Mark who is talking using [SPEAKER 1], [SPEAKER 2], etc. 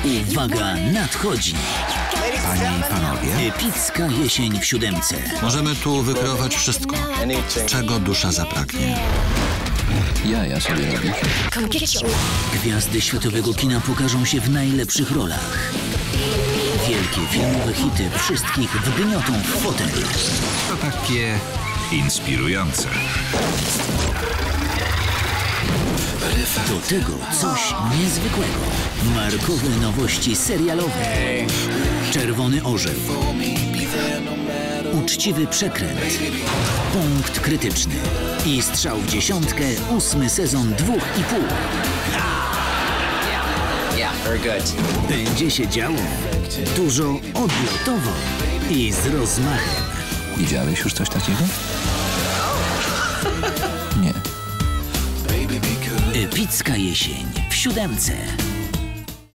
[SPEAKER 1] Uwaga, nadchodzi!
[SPEAKER 2] Panie i panowie,
[SPEAKER 1] Epicka jesień w siódemce.
[SPEAKER 2] możemy tu wykreować wszystko, czego dusza zapragnie.
[SPEAKER 3] Jaja sobie robisz.
[SPEAKER 1] Gwiazdy światowego kina pokażą się w najlepszych rolach. Wielkie filmowe hity wszystkich wgniotą w fotel.
[SPEAKER 4] To takie inspirujące.
[SPEAKER 1] Do tego coś niezwykłego. Markowe nowości serialowe. Czerwony orzeł. Uczciwy przekręt. Punkt krytyczny. I strzał w dziesiątkę, 8. sezon 2,5. Będzie się działo. Dużo odlotowo i z rozmachem.
[SPEAKER 3] Widziałeś już coś takiego? Nie.
[SPEAKER 1] Epicka jesień w siódemce.